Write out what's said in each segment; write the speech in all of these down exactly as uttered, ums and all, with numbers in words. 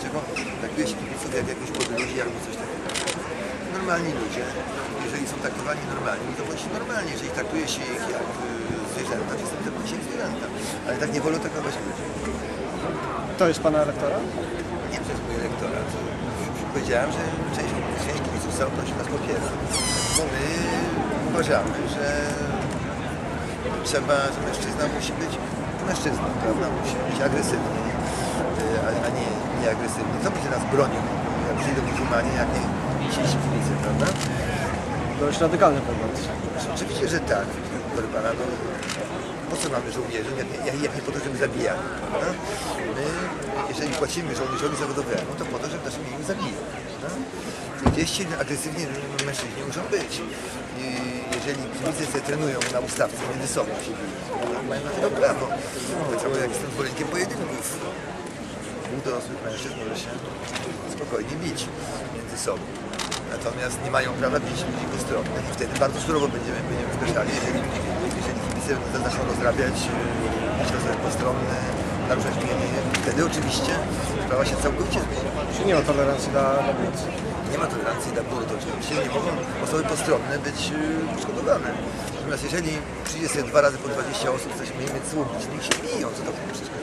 dlaczego traktuje się kibiców jak jakichś podróży albo coś takiego. Normalni ludzie, jeżeli są traktowani normalnie, to bądź normalnie, jeżeli traktuje się ich jak zwierzęta, to traktuje się jak zwierzęta. Ale tak nie wolno traktować ludzi. To jest pana elektorat? Nie przez mój elektorat. Powiedziałem, że część, część kibiców całkowicie nas popiera. Bo my uważamy, że trzeba, że mężczyzna musi być mężczyzną, prawda? Musi być agresywny, a, a nie nieagresywny. Co będzie nas bronił, jak przyjdą muzułmanie, jak nie dzisiejsi kibice, prawda? Dość radykalny pogląd. Oczywiście, że tak, proszę pana, no, po co mamy żołnierzy, jak, jak, jak nie po to, żeby zabijali, prawda? My, jeżeli płacimy żołnierzowi zawodowemu, to po to, żeby naszym imieniu zabijał, prawda? Gdzieś agresywnie mężczyźni muszą być. I jeżeli kibice sobie trenują na ustawce między sobą, mają na to prawo. Tak samo jak jestem zwolennikiem pojedynków. Dwóch dorosłych mężczyzn może się spokojnie bić między sobą. Natomiast nie mają prawa bić ludzi postronnych i wtedy bardzo surowo będziemy, będziemy zgłaszali, jeżeli, jeżeli kibice zaczną rozrabiać, bić osoby postronne, naruszać mienie, wtedy oczywiście sprawa się całkowicie zmieni. Czy nie ma tolerancji dla aborcji? Nie ma tolerancji dla bunt, oczywiście nie mogą osoby postronne być poszkodowane. Natomiast jeżeli przyjdzie sobie dwa razy po dwadzieścia osób, coś miejmy słubić, niech się biją, co to w tym przeszkadza.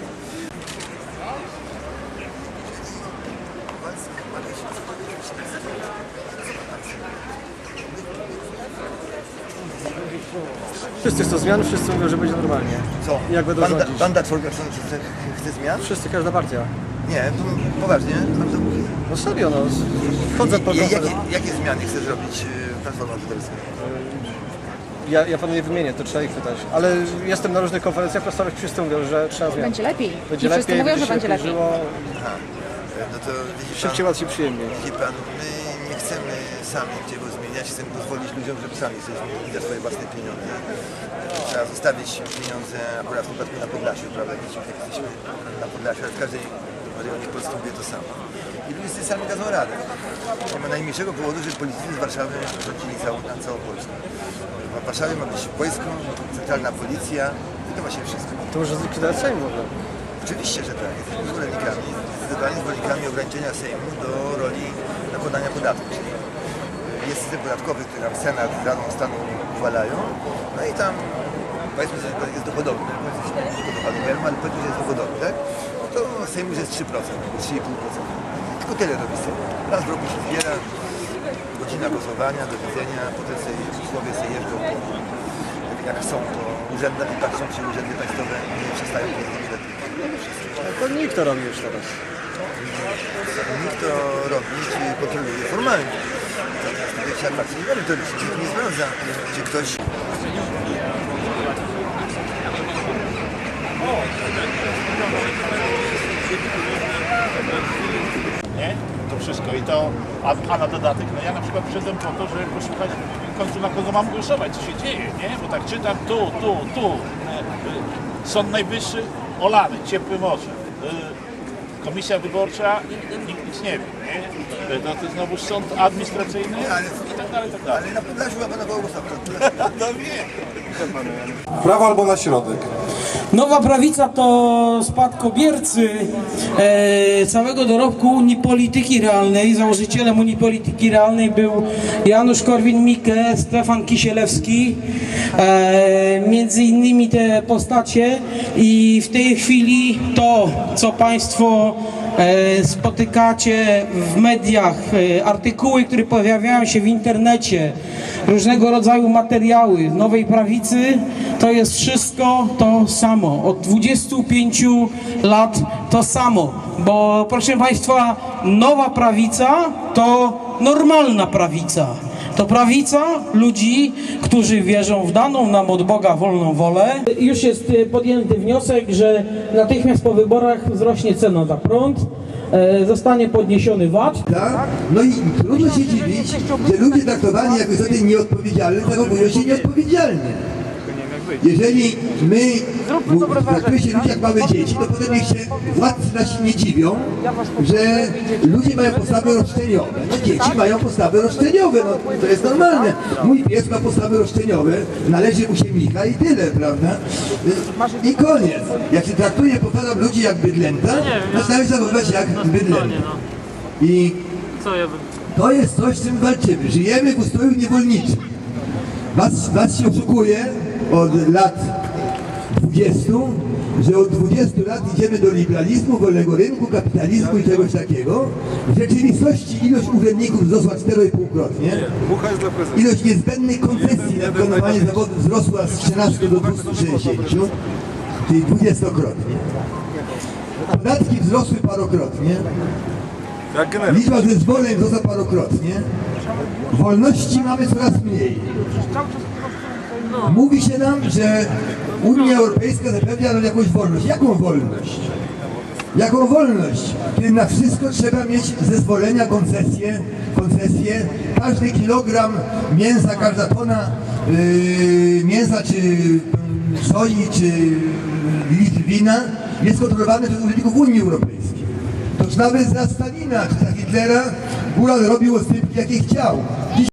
Wszyscy chcą zmian, wszyscy mówią, że będzie normalnie. Co? Jak będą Banda, rządzić? banda czworga chce, chce zmian? Wszyscy, każda partia. Nie, to poważnie, pan to mówi. No serio, no. Chodzę po I, jakie, konferencji. jakie zmiany chce zrobić y, Platforma Obywatelska? Ja, ja panu nie wymienię, to trzeba ich pytać. Ale jestem na różnych konferencjach prasowych, wszyscy mówią, że trzeba zmian. Będzie lepiej. Będzie I wszyscy lepiej, mówią, że się będzie lepiej. żyło, Aha, no to widzi pan, szybciej, łatwiej, przyjemniej. widzi pan, my nie chcemy sami niczego zmieniać, chcemy pozwolić ludziom, żeby sami sobie zmienili za swoje własne pieniądze. Trzeba zostawić pieniądze akurat w przypadku na Podlasiu, prawda? Wiecie, jak jesteśmy na Podlasiu, ale w każdej rejonie Polski mówię to samo. I ludzie sobie sami dadzą radę. Nie ma najmniejszego powodu, żeby politycy z Warszawy rządzili całą, na całą Polskę. W Warszawie ma być wojsko, centralna policja i to właśnie wszystko. To może zlikwidować Sejm w ogóle. Oczywiście, że tak. Jesteśmy zwolennikami, zdecydowanie zwolennikami ograniczenia Sejmu do roli nakładania podatków. Czyli jest system podatkowy, który nam Senat z Radą Stanu uchwalają, no i tam powiedzmy, że jest dochodowy, powiedzmy, nie dochodowy, ale powiedzmy, że jest dochodowy, tak? No to Sejm już jest trzy procent, trzy i pół procent. Tylko tyle robi Sejm. Raz w roku się zbiera, godzina głosowania, do widzenia, potem sobie posłowie sobie jeżdżą po, jak chcą po urzędach i patrzą, czy urzędy państwowe nie przestają jeździć lepiej. To nikt to robi już teraz. Nikt to robi, czy kontroluje formalnie. Natomiast wiecie, atrakcji nie merytorycznie, nikt nie sprawdza, czy ktoś... Nie? To wszystko i to, a, a na dodatek, no ja na przykład przyszedłem po to, żeby posłuchać w końcu na kogo mam głosować, co się dzieje, nie? Bo tak czytam tu, tu, tu, Sąd Najwyższy olany, ciepłe morze, Komisja Wyborcza, nikt nic nie wie, nie? To, to znowu sąd administracyjny Ale, i tak dalej, i tak dalej. ale na Podlasiu ma pana koło głosować. No wiem. Prawo albo na środek. Nowa prawica to spadkobiercy e, całego dorobku Unii Polityki Realnej. Założycielem Unii Polityki Realnej był Janusz Korwin-Mikke, Stefan Kisielewski, e, między innymi te postacie, i w tej chwili to, co Państwo e, spotykacie w mediach, e, artykuły, które pojawiają się w internecie, różnego rodzaju materiały Nowej Prawicy, to jest wszystko to samo. Od dwudziestu pięciu lat to samo. Bo proszę Państwa, Nowa Prawica to normalna prawica. To prawica ludzi, którzy wierzą w daną nam od Boga wolną wolę. Już jest podjęty wniosek, że natychmiast po wyborach wzrośnie cena za prąd, zostanie podniesiony V A T. Tak? No i trudno się dziwić, że ludzie traktowani jako istoty nieodpowiedzialne zachowują się nieodpowiedzialnie. jeżeli my traktujemy się ludzi jak małe dzieci, to potem niech się władcy nasi nie dziwią, że ludzie mają postawy roszczeniowe. No dzieci mają postawy roszczeniowe, no to jest normalne. Mój pies ma postawy roszczeniowe, należy mu się Micha i tyle, prawda? I koniec. Jak się traktuje, powtarzam, ludzi jak bydlęta, to należy zachowywać jak bydlęta. I to jest coś, z czym walczymy. Żyjemy w ustroju niewolniczym. Was, was się oszukuje od lat dwudziestu, że od dwudziestu lat idziemy do liberalizmu, wolnego rynku, kapitalizmu i czegoś takiego. W rzeczywistości ilość urzędników wzrosła cztery i pół krotnie. Ilość niezbędnych koncesji na wykonywanie zawodu wzrosła z trzynastu do dwustu sześćdziesięciu, czyli dwudziestokrotnie. Podatki wzrosły parokrotnie. Liczba zezwoleń wzrosła parokrotnie. Wolności mamy coraz mniej. Mówi się nam, że Unia Europejska zapewnia nam jakąś wolność. Jaką wolność? Jaką wolność? Kiedy na wszystko trzeba mieć zezwolenia, koncesje, koncesje. Każdy kilogram mięsa, każda tona yy, mięsa, czy yy, soi, czy litr wina jest kontrolowane przez urzędników Unii Europejskiej. Toż nawet za Stalina czy za Hitlera góral robił ostrypki jakie chciał. Dziś